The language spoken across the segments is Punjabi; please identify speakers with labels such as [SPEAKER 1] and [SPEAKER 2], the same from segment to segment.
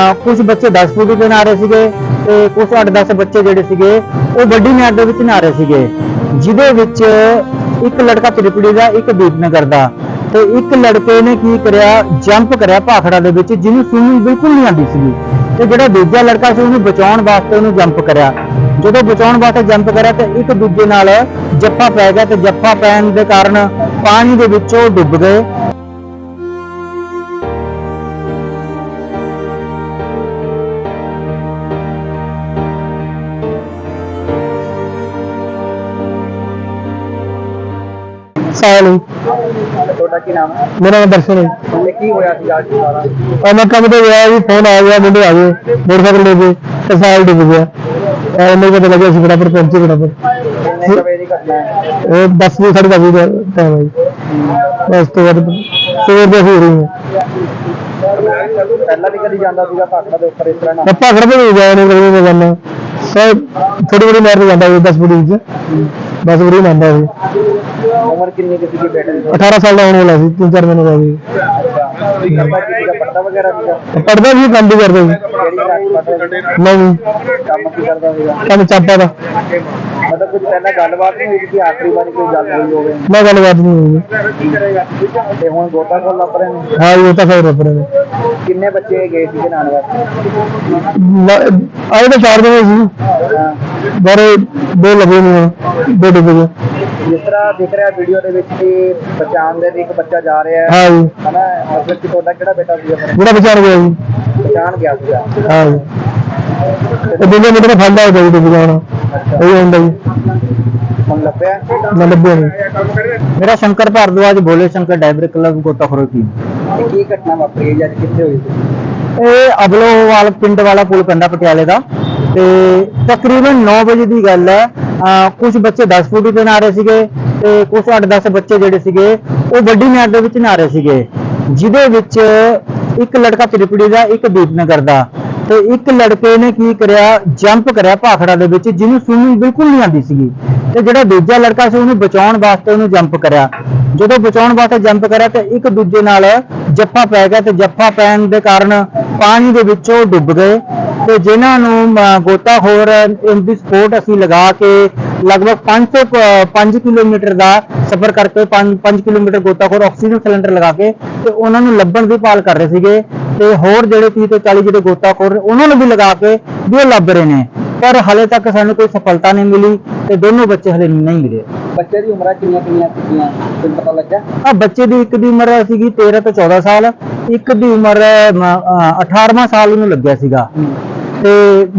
[SPEAKER 1] कुछ बच्चे 10 फुट पे नहा रहे ਸੀਗੇ ਤੇ ਕੁਝ 8-10 ਬੱਚੇ ਜਿਹੜੇ ਸੀਗੇ ਉਹ ਵੱਡੀ ਨਹਿਰ ਦੇ ਵਿੱਚ ਨਹਾ ਰਹੇ ਸੀਗੇ, ਜਿਹਦੇ ਵਿੱਚ ਇੱਕ ਲੜਕਾ ਤ੍ਰਿਪੜੀ ਦਾ, ਇੱਕ ਦੀਪਨਗਰ ਦਾ, ਤੇ ਇੱਕ ਲੜਕੇ ਨੇ ਕੀ ਕਰਿਆ, ਜੰਪ ਕਰਿਆ ਭਾਖੜਾ ਦੇ ਵਿੱਚ, ਜਿਹਨੂੰ ਸਵਿਮਿੰਗ ਬਿਲਕੁਲ ਨਹੀਂ ਆਉਂਦੀ ਸੀਗੀ, ਤੇ ਜਿਹੜਾ ਦੂਜਾ ਲੜਕਾ ਸੀ ਉਹਨੂੰ ਬਚਾਉਣ ਵਾਸਤੇ ਉਹਨੂੰ ਜੰਪ ਕਰਿਆ। ਜਦੋਂ ਬਚਾਉਣ ਵਾਸਤੇ ਜੰਪ ਕਰਿਆ ਤੇ ਇੱਕ ਦੂਜੇ ਨਾਲ ਜੱਫਾ ਪੈ ਗਿਆ, ਤੇ ਜੱਫਾ ਪੈਣ ਦੇ ਕਾਰਨ ਪਾਣੀ ਦੇ ਵਿੱਚ ਉਹ ਡੁੱਬ ਗਏ।
[SPEAKER 2] ਤੁਹਾਡਾ ਕੀ ਨਾਮ ਹੈ?
[SPEAKER 1] ਮੇਰਾ ਨਾਮ ਦਰਸ਼ਨ ਹੈ।
[SPEAKER 2] ਤੇ ਕੀ ਹੋਇਆ ਸੀ ਅੱਜ ਸਾਰਾ?
[SPEAKER 1] मैं कम तो गया जी, फोन आ गया, मुंडे आ गए मोटरसाइकिल लेके, तो साल डूब गया। मेरे को पता लगा सी बराबर पहुंचे बराबर।
[SPEAKER 2] ਕਿੰਨੇ ਕੁ ਵਜੇ ਦੀ ਘਟਨਾ ਹੈ?
[SPEAKER 1] 10 बजे 10:30 का टाइम है जी। बस तो बाद सवेर से हो रही है।
[SPEAKER 2] ਪਹਿਲਾਂ ਵੀ ਕਦੀ ਜਾਂਦਾ ਸੀਗਾ ਭਾਖੜਾ ਦੇ ਉੱਪਰ ਇਸ ਤਰ੍ਹਾਂ ਨਾ?
[SPEAKER 1] पकड़ पे नहीं गया, नहीं कभी जाना सब थोड़ी बड़ी नहर जाता है 10 फुट से, बस बड़ी नहाता है।
[SPEAKER 2] ਉਮਰ ਕਿੰਨੀ ਕੁ ਸੀਗੀ ਬੇਟੇ ਦੀ?
[SPEAKER 1] 18 साल का होने वाला सी, 3-4 महीने का भी।
[SPEAKER 2] ਅੱਛਾ, ਕੀ ਕਰਦਾ ਕੀ ਸੀਗਾ? ਪੜ੍ਹਦਾ ਵਗੈਰਾ ਸੀਗਾ?
[SPEAKER 1] पढ़ता भी, काम भी करता जी।
[SPEAKER 2] ਕਿਹੜੀ ਕਲਾਸ ਪੜ੍ਹਦਾ?
[SPEAKER 1] नहीं,
[SPEAKER 2] ਕੰਮ ਕੀ ਕਰਦਾ ਸੀਗਾ?
[SPEAKER 1] काम चाहता था।
[SPEAKER 2] ਮਤਲਬ ਕੁਝ ਪਹਿਲਾਂ ਗੱਲਬਾਤ ਨਹੀਂ ਹੋਈ ਕਿ ਆਖਰੀ ਵਾਰੀ ਕੋਈ ਗੱਲ ਹੋਈ ਹੋਵੇ?
[SPEAKER 1] मैं गलबात नहीं हुई।
[SPEAKER 2] ਤੇ ਹੁਣ ਗੋਤਾਖੋਰ ਲੱਭ ਰਹੇ ਨੇ?
[SPEAKER 1] हाँ ये तो फिर रबर में
[SPEAKER 2] ਕਿੰਨੇ ਬੱਚੇ ਗਏ ਸੀਗੇ ਨਹਾਉਣ ਵਾਸਤੇ?
[SPEAKER 1] आए तो 4 दिन सी,
[SPEAKER 2] ਹਾਂ।
[SPEAKER 1] बारे 2 लगे नहीं, 2 डूब गए।
[SPEAKER 2] ਜਿਸ ਤਰ੍ਹਾਂ ਦਿਖ ਰਿਹਾ ਵੀਡੀਓ ਦੇ ਵਿੱਚ ਕਿ ਬਚਾਉਣ ਦੇ ਲਈ ਇੱਕ ਬੱਚਾ ਜਾ ਰਿਹਾ ਹੈ,
[SPEAKER 1] हाँ जी,
[SPEAKER 2] ਹਨਾ? ਮਤਲਬ ਕਿ ਤੁਹਾਡਾ ਕਿਹੜਾ ਬੇਟਾ ਸੀਗਾ ਫਿਰ?
[SPEAKER 1] बड़ा बचा गया जी।
[SPEAKER 2] ਬਚਾਉਣ ਗਿਆ ਸੀਗਾ।
[SPEAKER 1] हाँ जी, तो दूसरे मीटर फंदा होता जी, डूब जाना वही होता जी।
[SPEAKER 2] ਹੁਣ ਲੱਭਿਆ?
[SPEAKER 1] मैं लभ्या नहीं। मेरा शंकर भारद्वाज, भोले शंकर डाइवर क्लब गोताखोर की।
[SPEAKER 2] ਤੇ ਕੀ ਘਟਨਾ ਵਾਪਰੀ ਹੈ? ਅੱਜ ਕਿੱਥੇ ਹੋਈ ਸੀ?
[SPEAKER 1] ਇਹ ਅਬਲੋਵਾਲ ਪਿੰਡ ਵਾਲਾ ਪੁਲ ਪੈਂਦਾ ਪਟਿਆਲੇ ਦਾ, ਤੇ ਤਕਰੀਬਨ 9 ਵਜੇ ਦੀ ਗੱਲ ਹੈ। ਕੁਝ ਬੱਚੇ 10 ਫੁੱਟ ਤੇ ਨਹਾ ਰਹੇ ਸੀਗੇ ਤੇ ਕੁਝ 8-10 ਬੱਚੇ ਜਿਹੜੇ ਸੀਗੇ ਉਹ ਵੱਡੀ ਨਹਿਰ ਦੇ ਵਿੱਚ ਨਹਾ ਰਹੇ ਸੀਗੇ, ਜਿਹਦੇ ਵਿੱਚ ਇੱਕ ਲੜਕਾ ਤ੍ਰਿਪੜੀ ਦਾ, ਇੱਕ ਦੀਪਨਗਰ ਦਾ, ਤੇ ਇੱਕ ਲੜਕੇ ਨੇ ਕੀ ਕਰਿਆ, ਜੰਪ ਕਰਿਆ ਭਾਖੜਾ ਦੇ ਵਿੱਚ, ਜਿਹਨੂੰ ਸਵਿਮਿੰਗ ਬਿਲਕੁਲ ਨਹੀਂ ਆਉਂਦੀ ਸੀਗੀ, ਤੇ ਜਿਹੜਾ ਦੂਜਾ ਲੜਕਾ ਸੀ ਉਹਨੂੰ ਬਚਾਉਣ ਵਾਸਤੇ ਉਹਨੂੰ ਜੰਪ ਕਰਿਆ। ਜਦੋਂ ਬਚਾਉਣ ਵਾਸਤੇ ਜੰਪ ਕਰਿਆ ਤੇ ਇੱਕ ਦੂਜੇ ਨਾਲ ਜੱਫਾ ਪੈ ਗਿਆ, ਤੇ ਜੱਫਾ ਪੈਣ ਦੇ ਕਾਰਨ ਪਾਣੀ ਦੇ ਵਿੱਚ ਉਹ ਡੁੱਬ ਗਏ। ਤੇ ਜਿਨ੍ਹਾਂ ਨੂੰ ਗੋਤਾਖੋਰ ਇਨ ਦੀ ਸਪੋਰਟ ਅਸੀਂ ਲਗਾ ਕੇ ਲਗਭਗ 5 ਕਿਲੋਮੀਟਰ ਦਾ ਸਫ਼ਰ ਕਰਕੇ 5 ਕਿਲੋਮੀਟਰ ਗੋਤਾਖੋਰ ਆਕਸੀਜਨ ਸਿਲੰਡਰ ਲਗਾ ਕੇ ਤੇ ਉਹਨਾਂ ਨੂੰ ਲੱਭਣ ਦੀ ਭਾਲ ਕਰ ਰਹੇ ਸੀਗੇ, ਤੇ ਹੋਰ ਜਿਹੜੇ 30 ਤੋਂ 40 ਜਿਹੜੇ ਗੋਤਾਖੋਰ ਉਹਨਾਂ ਨੂੰ ਵੀ ਲਗਾ ਕੇ ਵੀ ਉਹ ਲੱਭ ਰਹੇ ਨੇ, ਪਰ ਹਲੇ ਤੱਕ ਸਾਨੂੰ ਕੋਈ ਸਫਲਤਾ ਨਹੀਂ ਮਿਲੀ ਤੇ ਦੋਨੋਂ ਬੱਚੇ ਹਲੇ ਨਹੀਂ ਮਿਲੇ।
[SPEAKER 2] ਬੱਚੇ ਦੀ ਉਮਰਾਂ ਕਿੰਨੀਆਂ ਸੀਗੀਆਂ ਤੁਹਾਨੂੰ ਪਤਾ ਲੱਗਾ?
[SPEAKER 1] ਬੱਚੇ ਦੀ ਇੱਕ ਦੀ ਉਮਰ ਸੀਗੀ 13 ਤੋਂ 14 ਸਾਲ, ਇੱਕ ਦੀ ਉਮਰ 18ਵਾਂ ਸਾਲ ਉਹਨੂੰ ਲੱਗਿਆ ਸੀਗਾ, ਤੇ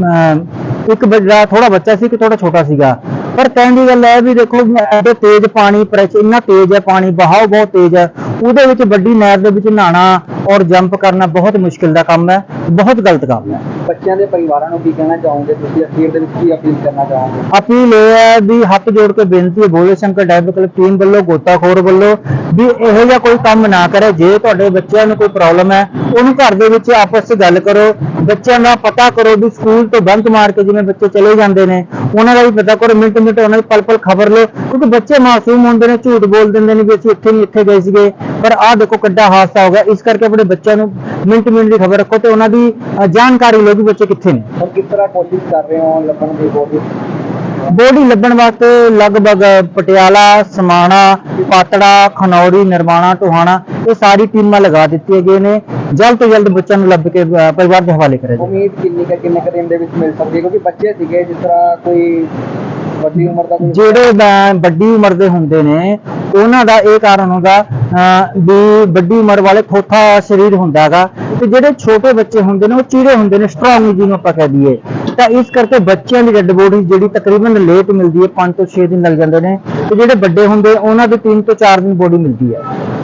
[SPEAKER 1] ਇੱਕ ਜਿਹੜਾ ਥੋੜਾ ਬੱਚਾ ਸੀ, ਕਿ ਥੋੜਾ ਛੋਟਾ ਸੀਗਾ। ਪਰ ਕਹਿਣ ਦੀ ਗੱਲ ਹੈ ਵੀ ਦੇਖੋ, ਐਡੇ ਤੇਜ਼ ਪਾਣੀ, ਪ੍ਰੈਸ਼ਰ ਇੰਨਾ ਤੇਜ਼ ਹੈ, ਪਾਣੀ ਬਹਾਓ ਬਹੁਤ ਤੇਜ਼ ਹੈ, ਉਹਦੇ ਵਿੱਚ ਵੱਡੀ ਨਹਿਰ ਦੇ ਵਿੱਚ ਨਹਾਣਾ ਔਰ ਜੰਪ ਕਰਨਾ ਬਹੁਤ ਮੁਸ਼ਕਿਲ ਦਾ ਕੰਮ ਹੈ, ਬਹੁਤ ਗਲਤ ਕੰਮ ਹੈ।
[SPEAKER 2] ਬੱਚਿਆਂ ਦੇ ਪਰਿਵਾਰਾਂ ਨੂੰ ਕੀ ਕਹਿਣਾ ਚਾਹੋਗੇ ਤੁਸੀਂ? ਅਖੀਰ ਦੇ ਵਿੱਚ ਕੀ ਅਪੀਲ ਕਰਨਾ ਚਾਹੋਗੇ?
[SPEAKER 1] ਅਪੀਲ ਇਹ ਹੈ ਵੀ ਹੱਥ ਜੋੜ ਕੇ ਬੇਨਤੀ ਹੈ Bhole Shankar diver club team ਵੱਲੋਂ, ਗੋਤਾਖੋਰ ਵੱਲੋਂ, ਵੀ ਇਹੋ ਜਿਹਾ ਕੋਈ ਕੰਮ ਨਾ ਕਰੇ। ਜੇ ਤੁਹਾਡੇ ਬੱਚਿਆਂ ਨੂੰ ਕੋਈ ਪ੍ਰੋਬਲਮ ਹੈ, ਉਹਨੂੰ ਘਰ ਦੇ ਵਿੱਚ ਆਪਸ ਵਿੱਚ ਗੱਲ ਕਰੋ, ਬੱਚਿਆਂ ਦਾ ਪਤਾ ਕਰੋ ਵੀ ਸਕੂਲ ਤੋਂ ਬੰਕ ਮਾਰ ਕੇ ਜਿਵੇਂ ਬੱਚੇ ਚਲੇ ਜਾਂਦੇ ਨੇ, ਉਹਨਾਂ ਦਾ ਵੀ ਪਤਾ ਕਰੋ, ਮਿੰਟ ਉਹਨਾਂ ਦੀ ਪਲ ਖਬਰ ਲਓ, ਕਿਉਂਕਿ ਬੱਚੇ ਮਾਸੂਮ ਹੁੰਦੇ ਨੇ, ਝੂਠ ਬੋਲ ਦਿੰਦੇ ਨੇ ਵੀ ਅਸੀਂ ਇੱਥੇ ਨਹੀਂ ਇੱਥੇ ਗਏ ਸੀਗੇ, ਪਰ ਆਹ ਦੇਖੋ ਕਿੱਡਾ ਹਾਦਸਾ ਹੋ ਗਿਆ। ਇਸ ਕਰਕੇ ਆਪਣੇ ਬੱਚਿਆਂ ਨੂੰ ਮਿੰਟ ਦੀ ਖਬਰ ਰੱਖੋ ਤੇ ਉਹਨਾਂ ਦੀ ਜਾਣਕਾਰੀ ਲਓ ਕਿ ਬੱਚੇ ਕਿੱਥੇ ਨੇ।
[SPEAKER 2] ਹੁਣ ਕਿਸ ਤਰ੍ਹਾਂ ਕੋਸ਼ਿਸ਼ ਕਰ ਰਹੇ ਹੋ ਲੱਭਣ ਦੀ?
[SPEAKER 1] ਬੋਡੀ ਲੱਭਣ ਵਾਸਤੇ ਲਗਭਗ ਪਟਿਆਲਾ, ਸਮਾਣਾ, ਪਾਤੜਾ, ਖਨੌਰੀ, ਨਿਰਮਾਣਾ, ਟੋਹਾਣਾ, ਇਹ ਸਾਰੀ ਟੀਮਾਂ ਲਗਾ ਦਿੱਤੀਆਂ ਗਈਆਂ ਨੇ। ਜਲਦ ਤੋਂ ਜਲਦ ਬੱਚਿਆਂ ਨੂੰ ਲੱਭ ਕੇ ਪਰਿਵਾਰ ਦੇ ਹਵਾਲੇ ਕਰਿਆ ਜਾਵੇ।
[SPEAKER 2] ਉਮੀਦ ਕਿੰਨੇ ਕੁ ਦਿਨ ਦੇ ਵਿੱਚ ਮਿਲ ਸਕਦੀ ਹੈ? ਕਿਉਂਕਿ ਬੱਚੇ ਸੀਗੇ, ਜਿਸ ਤਰ੍ਹਾਂ ਕੋਈ ਵੱਡੀ ਉਮਰ ਦਾ,
[SPEAKER 1] ਜਿਹੜੇ ਵੱਡੀ ਉਮਰ ਦੇ ਹੁੰਦੇ ਨੇ ਉਹਨਾਂ ਦਾ ਇਹ ਕਾਰਨ ਹੁੰਦਾ ਵੀ ਵੱਡੀ ਉਮਰ ਵਾਲੇ ਥੋਥਾ ਸਰੀਰ ਹੁੰਦਾ ਹੈਗਾ, ਤੇ ਜਿਹੜੇ ਛੋਟੇ ਬੱਚੇ ਹੁੰਦੇ ਨੇ ਉਹ ਚੀੜੇ ਹੁੰਦੇ ਨੇ, ਸਟਰੋਂਗ ਜਿਹਨੂੰ ਆਪਾਂ ਕਹਿ ਦਈਏ, ਤਾਂ ਇਸ ਕਰਕੇ ਬੱਚਿਆਂ ਦੀ ਡੈਡ ਬੋਡੀ ਜਿਹੜੀ ਤਕਰੀਬਨ ਲੇਟ ਮਿਲਦੀ ਹੈ, 5 ਤੋਂ 6 ਦਿਨ ਲੱਗ ਜਾਂਦੇ ਨੇ, ਤੇ ਜਿਹੜੇ ਵੱਡੇ ਹੁੰਦੇ ਉਹਨਾਂ ਦੀ 3 ਤੋਂ 4 ਦਿਨ ਬੋਡੀ ਮਿਲਦੀ ਹੈ।